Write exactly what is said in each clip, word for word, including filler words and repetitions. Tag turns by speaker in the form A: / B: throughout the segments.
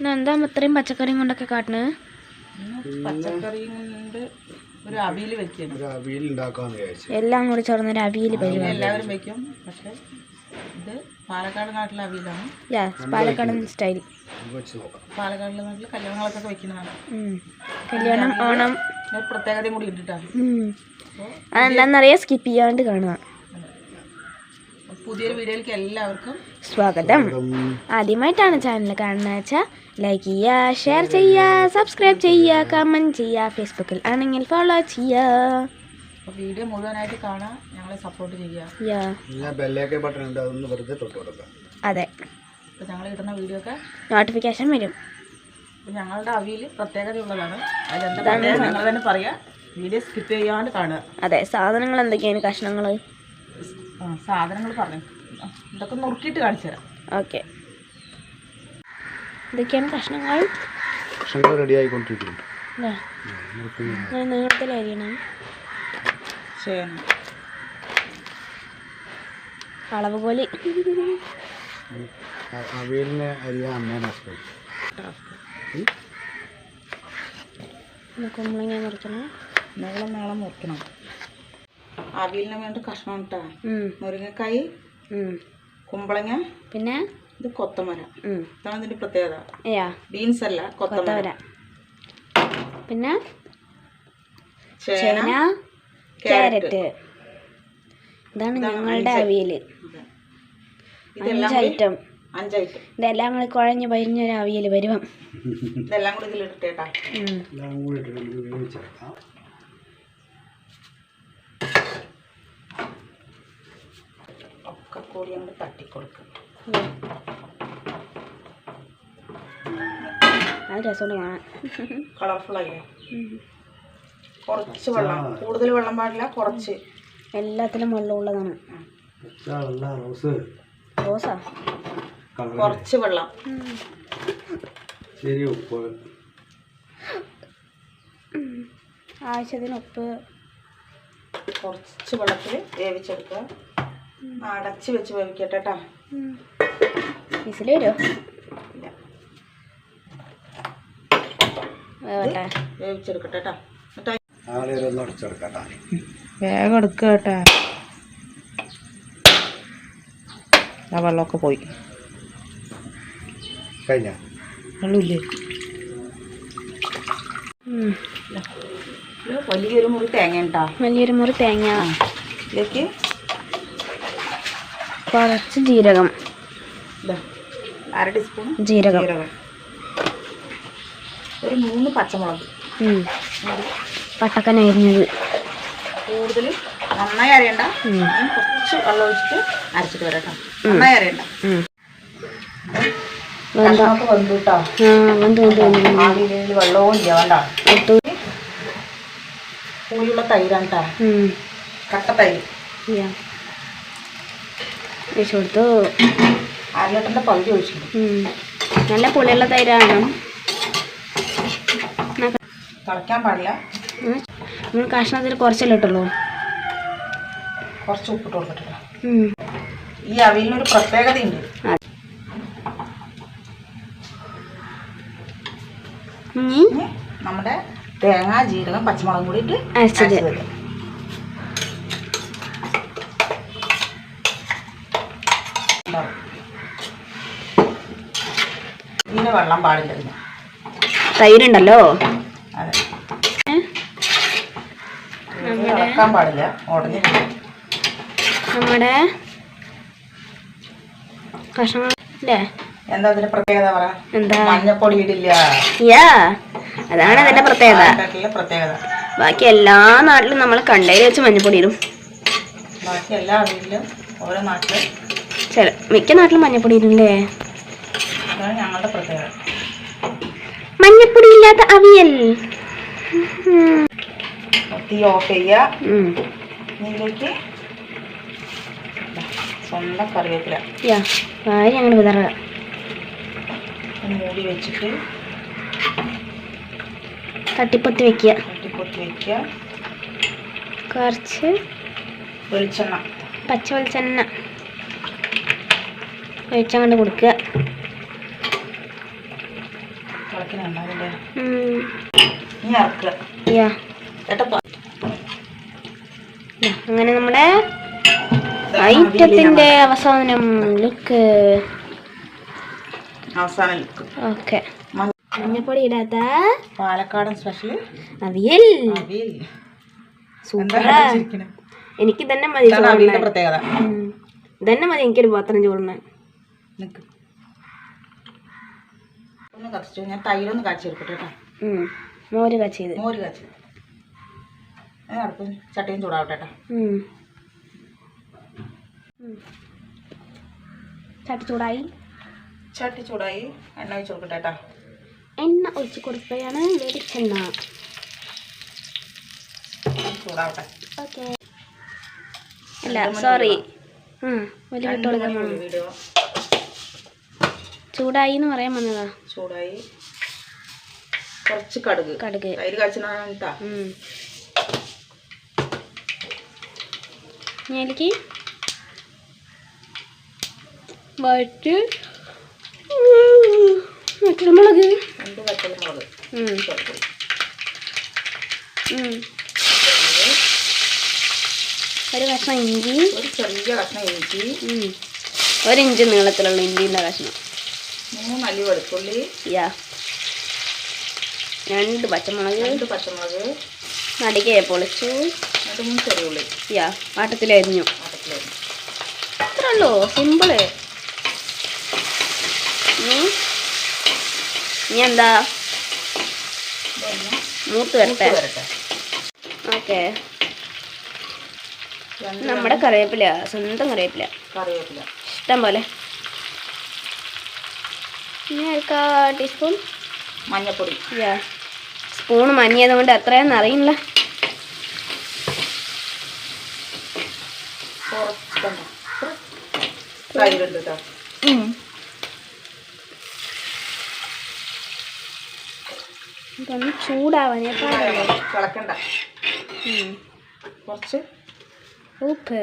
A: എന്താ ഇത്രയും പച്ചക്കറിയും കൊണ്ടൊക്കെ കാട്ടുന്നത്?
B: പച്ചക്കറിയും കൊണ്ട് ഒരു അവിയൽ വെക്കണം. ഒരു അവിയൽ ഉണ്ടാക്കാന്ന് വിചാരിച്ചു.
A: എല്ലാം കൂടി ചേർന്നൊരു അവിയൽ പരിപാടി
B: എല്ലാവരും വെക്കും. പക്ഷെ ഇത് പാലക്കാട് നാട്ടിലെ അവിയലാണ്.
A: പാലക്കാടൻ സ്റ്റൈൽ.
B: പാലക്കാടിലെ നാട്ടിൽ കല്യാണങ്ങളൊക്കെ വെക്കുന്നതാണ്.
A: കല്യാണം, ഓണം
B: പ്രത്യേകതയും കൂടി ഇട്ടിട്ടാണ്.
A: അതെന്താണെന്നറിയാം, സ്കിപ്പ് ചെയ്യാണ്ട് കാണുക.
B: പുതിയൊരു വീഡിയോയിലേക്ക് എല്ലാവർക്കും
A: സ്വാഗതം. ആദ്യമായിട്ടാണ് ചാനൽ കാണുന്നത് വെച്ചാൽ ലൈക്ക് ചെയ്യുക, ഷെയർ ചെയ്യുക, സബ്സ്ക്രൈബ് ചെയ്യുക, കമൻറ്റ് ചെയ്യുക, ഫേസ്ബുക്കിൽ ആണെങ്കിൽ ഫോളോ ചെയ്യുക.
B: വീഡിയോ മുഴുവനായിട്ട് കാണാൻ ഞങ്ങളെ സപ്പോർട്ട് ചെയ്യുക.
A: അതെ,
B: അപ്പോൾ ഞങ്ങൾ ഇടുന്ന വീഡിയോ ഒക്കെ
A: നോട്ടിഫിക്കേഷൻ വരും.
B: ഞങ്ങളുടെ അവിയൽ പ്രത്യേകതയുള്ളതാണ്. അതെന്താണ് ഞങ്ങൾ തന്നെ പറയാം. വീഡിയോ സ്കിപ്പ് ചെയ്യാണ്ട് കാണുക.
A: അതെ, സാധനങ്ങൾ എന്തൊക്കെയാണ്? കഷ്ണങ്ങൾ
B: സാധനങ്ങൾ പറഞ്ഞു ഇതൊക്കെ നുറുക്കിയിട്ട് കാണിച്ചു തരാം.
A: ഓക്കെ, ഇതൊക്കെയാണ് കഷ്ണങ്ങൾ.
B: കഷ്ണങ്ങൾ റെഡി ആയിക്കൊണ്ടിരിക്കുന്നു.
A: നീളത്തിൽ അരിയണം. അളവ് പോലെ
B: അവിയലിനെ അരിയാൻ അമ്മേനെ
A: കുമ്പളങ്ങ മുറിക്കണം.
B: നീളം നീളം മുറിക്കണം. അവിയലിന് വേണ്ട കഷ്ണം ഇട്ടാ മുരിങ്ങക്കായ്, കുമ്പളങ്ങ,
A: പിന്നെ
B: ഇത് കൊത്തമര. ഇതാണ് ഇതിന്റെ പ്രത്യേകത. ബീൻസ് അല്ല, കൊത്തമര.
A: പിന്നെ ചേന, ക്യാരറ്റ്. ഇതാണ് ഞങ്ങളുടെ അവിയല്. അഞ്ച് ഐറ്റം
B: അഞ്ച് ഐറ്റം
A: ഇതെല്ലാം കൂടി കുഴഞ്ഞ് പരിഞ്ഞൊരു അവിയൽ വരുവാം.
B: ഇതെല്ലാം കൂടി ഇതിലിട്ടേട്ടാ. ഒക്കെ കൂടി അങ്ങോട്ട് തട്ടിക്കൊടുക്കും.
A: അത് രസമുണ്ട് കാണാൻ.
B: കളർഫുൾ ആയില്ലേ? കുറച്ച് വെള്ളം, കൂടുതൽ വെള്ളം പാടില്ല, കുറച്ച്.
A: എല്ലാത്തിലും വെള്ളം ഉള്ളതാണ്. റോസാ
B: കുറച്ച് വെള്ളം.
A: ആവശ്യത്തിന് ഉപ്പ്.
B: കുറച്ച് വെള്ളത്തിൽ വേവിച്ചെടുക്കുക. അടച്ച് വെച്ച് വേവിക്കട്ടെ കേട്ടോ.
A: വിസിൽ വരുമോ?
B: വേവിച്ചെടുക്കട്ടെ കേട്ടോ.
A: വേഗം എടുക്കുക കേട്ടോ.
B: ആ വെള്ളമൊക്കെ പോയി കഴിഞ്ഞ വെള്ളമില്ലേ? വലിയൊരു മുറി തേങ്ങ ഉണ്ടാ.
A: വലിയൊരു മുറി തേങ്ങ.
B: ഇതിലേക്ക്
A: കുറച്ച് ജീരകം,
B: അര ടീസ്പൂൺ
A: ജീരകം,
B: ഒരു മൂന്ന് പച്ചമുളക്,
A: പട്ടക്കൻ അരിഞ്ഞത്.
B: കൂടുതൽ നന്നായി അരയണ്ട, കുറച്ച് വെള്ളം ഒഴിച്ചിട്ട് അരച്ചിട്ട് വരാം കേട്ടോ. നന്നായി അരയണ്ട. വെന്തൊക്കെ വെന്തു കേട്ടോ. വെള്ളവും ഇല്ല വേണ്ട. പുളിയുള്ള തൈരാണ് കേട്ടോ. കട്ട തൈര്
A: ഒഴിച്ചു കൊടുത്തു.
B: അര ലിറ്ററിന്റെ പകുതി ഒഴിച്ചു.
A: നല്ല പുളിയുള്ള തൈരാണ്.
B: തിളയ്ക്കാൻ പാടില്ല.
A: നമ്മൾ കഷ്ണത്തിൽ കുറച്ചല്ലേ ഇട്ടുള്ളൂ.
B: കുറച്ച് ഉപ്പിട്ട് കൊടുക്കട്ടെ. ഈ അവിയലിനൊരു പ്രത്യേകതയുണ്ട്. നമ്മുടെ തേങ്ങ, ജീരകം, പച്ചമുളകും കൂടിയിട്ട്
A: അരച്ചത്.
B: ഇതിന് വെള്ളം പാടില്ല.
A: തൈരുണ്ടല്ലോ.
B: അതെ, ഇളക്കാൻ പാടില്ല. ഉടനെ
A: നമ്മുടെ കഷ്ണങ്ങൾ അല്ലേ?
B: എന്താ അതിന്റെ പ്രത്യേകത പറ?
A: എന്താ?
B: മഞ്ഞപ്പൊടി ഇടില്ല.
A: യാ, അതാണ് അതിന്റെ പ്രത്യേകത.
B: പ്രത്യേകത
A: ബാക്കി എല്ലാ നാട്ടിലും നമ്മൾ കണ്ടയിൽ വെച്ച് മഞ്ഞപ്പൊടി ഇടും.
B: ബാക്കി എല്ലാ വീട്ടിലും ഓരോ നാട്ടിലും
A: ചില മിക്ക നാട്ടിലും മഞ്ഞപ്പൊടി ഇടുന്നല്ലേ.
B: അതാണ് ഞങ്ങളുടെ പ്രത്യേകത.
A: മഞ്ഞപ്പൊടി ഇല്ലാത്ത അവിയൽ.
B: തീ ഓഫ് ചെയ്യുക. ഇതിലേക്ക് സ്വന്തം കറിവേപ്പില
A: കാര്യം അങ്ങനെ വിതറുക.
B: മൂടി വെച്ചിട്ട്
A: തട്ടിപ്പൊത്തി വെക്കുക.
B: തട്ടിപ്പൊത്തി വെക്കുക.
A: കുറച്ച്
B: വെളിച്ചെണ്ണ,
A: പച്ച വെളിച്ചെണ്ണ ഒഴിച്ചങ്ങോട്ട് കൊടുക്കുക.
B: തിളക്കിനുണ്ടാവില്ലേ?
A: ഉം.
B: ഇനി ഇറക്കുക.
A: യാ
B: കേട്ടപ്പോ
A: അങ്ങനെ നമ്മുടെ ഐറ്റത്തിന്റെ അവസാനം ലുക്ക്.
B: അവസാനം ലുക്ക്.
A: ഓക്കെ. മഞ്ഞപ്പൊടി ഇടാത്ത
B: പാലക്കാടൻ സ്പെഷ്യൽ
A: അവിയൽ.
B: അവിയൽ
A: സൂപ്പറാ. എനിക്ക് തന്നെ മതി.
B: പ്രത്യേകത
A: ഇതന്നെ മതി എനിക്കൊരു പാത്രം ചോറിന്.
B: ഒന്ന് കത്തിച്ചു. ഞാൻ തൈരൊന്ന് കാച്ചെടുക്കട്ടെ കേട്ടോ.
A: മോര് കാച്ചിയത്.
B: മോര് കാച്ചി അടുപ്പ് ചട്ടിയും ചൂടാവട്ടെ കേട്ടോ.
A: ചട്ടി ചൂടായി.
B: ചട്ടി ചൂടായി. എണ്ണ ഒഴിച്ച് കൊടുക്കട്ടെ കേട്ടോ.
A: എണ്ണ ഒഴിച്ച് കൊടുക്കുകയാണ്. വെളിച്ചെണ്ണ
B: ചൂടാവട്ടെ.
A: ഓക്കെ. അല്ല സോറി. വലിയ വിട്ട് കൊടുക്കാൻ
B: വീഡിയോ
A: ചൂടായി എന്ന് പറയാൻ വന്നതാ.
B: ചൂടായി. കുറച്ച് കടുക്.
A: കടുക്
B: തൈര് കാച്ചിട്ടാ.
A: ഞാനിക്ക് വറ്റ് മുളക്.
B: രണ്ട് പച്ചമുളക്.
A: ഒരു കഷ്ണം ഇഞ്ചി.
B: ഒരു ചെറിയ കഷ്ണം ഇഞ്ചി.
A: ഒരു ഇഞ്ച് നീളത്തിലുള്ള ഇഞ്ചിൻ്റെ കഷ്ണം.
B: മൂന്ന് അല്ലി വെളുത്തുള്ളി.
A: യാ രണ്ട് പച്ചമുളക്.
B: രണ്ട് പച്ചമുളക്
A: നടികെ പൊളിച്ചു.
B: രണ്ട് മൂന്ന് ചെറിയ ഉള്ളി.
A: യാ പാട്ടത്തിലരിഞ്ഞു.
B: പാട്ടത്തിലരിഞ്ഞു.
A: അത്രേ ഉള്ളൂ. സിമ്പിള്. ഇനി ഇനി എന്താ മൂത്ത് വരട്ടെ. ഓക്കെ. നമ്മുടെ കറിവേപ്പില, സ്വന്തം കറിവേപ്പില.
B: കറിവേപ്പില
A: ഇഷ്ടം പോലെ. ഇനി ഒരു ടീസ്പൂൺ
B: മഞ്ഞൾപ്പൊടി.
A: യാ സ്പൂൺ മഞ്ഞയത് കൊണ്ട് എത്രയാണെന്ന് അറിയില്ല. ഇതൊന്ന് ചൂടാവാനേ പാടുള്ളൂ.
B: തിളക്കണ്ട. കുറച്ച്
A: ഉപ്പ്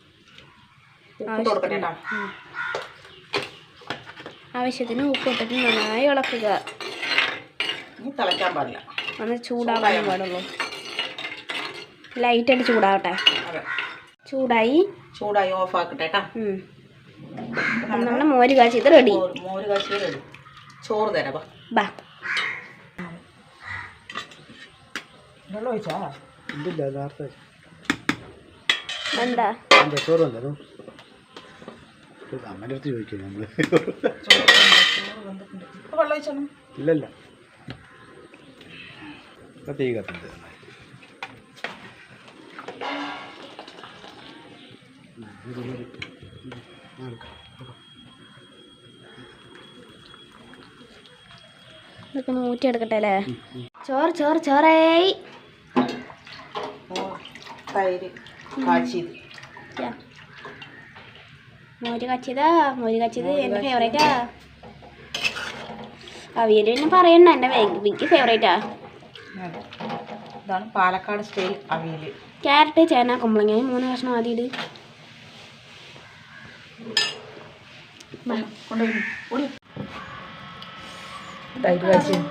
A: ആവശ്യത്തിന് ഉപ്പ് ഇട്ടിട്ട് നന്നായി ഇളക്കുക.
B: തിളക്കാൻ പാടില്ല.
A: ഒന്ന് ചൂടാവാനേ പാടുള്ളൂ. ലൈറ്റായിട്ട് ചൂടാവട്ടെ. ചൂടായി.
B: ചൂടായി. ഓഫ് ആക്കട്ടെ കേട്ടോ.
A: നമ്മുടെ മോര് കാച്ചിയത് റെഡി.
B: മോര് കാച്ചിയത് റെഡി. ചോറ് തരാം.
A: ബാ.
B: വെള്ളം ഒഴിച്ചാ
A: എന്താ
C: ചോറ് വന്നോ? അമ്മേൻ്റെ അടുത്ത് ചോദിക്കും നമ്മള്.
B: വെള്ളം ഒഴിച്ചോ?
C: ഇല്ലല്ല, തീ കത്തുണ്ട്.
A: ഇതൊക്കെ ഒന്ന് ഊറ്റിയെടുക്കട്ടെ അല്ലേ? ചോറ് ചോറ് ചോറായി.
B: തൈര് കാച്ചിയത്.
A: മോര് കാച്ചിയതാ. മോര് കാച്ചിയത് എൻ്റെ ഫേവറേറ്റാ. അവിയൽ പിന്നെ പറയണ്ട, എൻ്റെ എനിക്ക് ഫേവറേറ്റാ.
B: ഇതാണ് പാലക്കാട് സ്റ്റൈൽ അവിയൽ.
A: ക്യാരറ്റ്, ചേന, കുമ്പളങ്ങ മൂന്ന് കഷ്ണം ആദ്യം ഇട്.
B: തൈര് കാച്ചിയത്.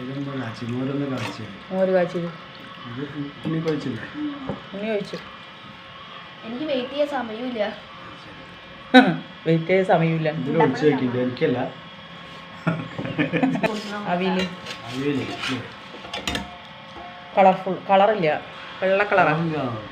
B: മോര് കാച്ചിയത്. ഉണ്ണി ഒഴിച്ചു. എനിക്ക് വെയിറ്റ് ചെയ്യാൻ സമയമില്ല. വെയിറ്റ് ചെയ്യാൻ സമയമില്ല.
C: എനിക്കല്ല
B: അവിയൽ കളർഫുൾ. കളറില്ല, വെള്ള കളറാണ്.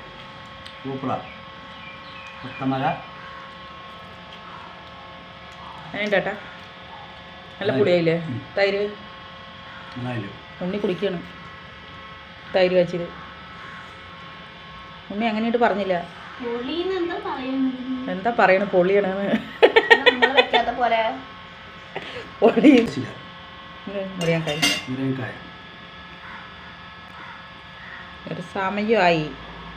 B: ചേട്ടാ നല്ല പൊടിയായില്ലേ തൈര്? ഉണ്ണി കുടിക്കണം തൈര് കാച്ചിയത്. ഉണ്ണി അങ്ങനെയായിട്ട് പറഞ്ഞില്ല. എന്താ പറയണ? പൊളിയാണെന്ന്. പൊളി മുരിങ്ങക്കായ. ഒരു സമയമായി.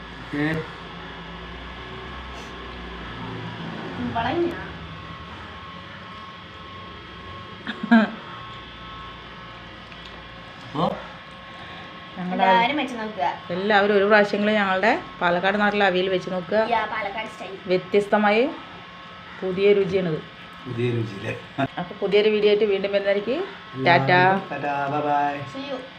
B: എല്ലാവരും ഒരു പ്രാവശ്യങ്ങളിൽ ഞങ്ങളുടെ പാലക്കാട് നാട്ടിലെ അവിയൽ വെച്ച് നോക്കുക. വ്യത്യസ്തമായി പുതിയ രുചിയാണിത്.
C: പുതിയ രുചിയില്ലേ
B: അപ്പോൾ പുതിയൊരു വീഡിയോ ആയിട്ട് വീണ്ടും വരുന്നതായിരിക്കും. ടാറ്റാ.
C: Tata bye by.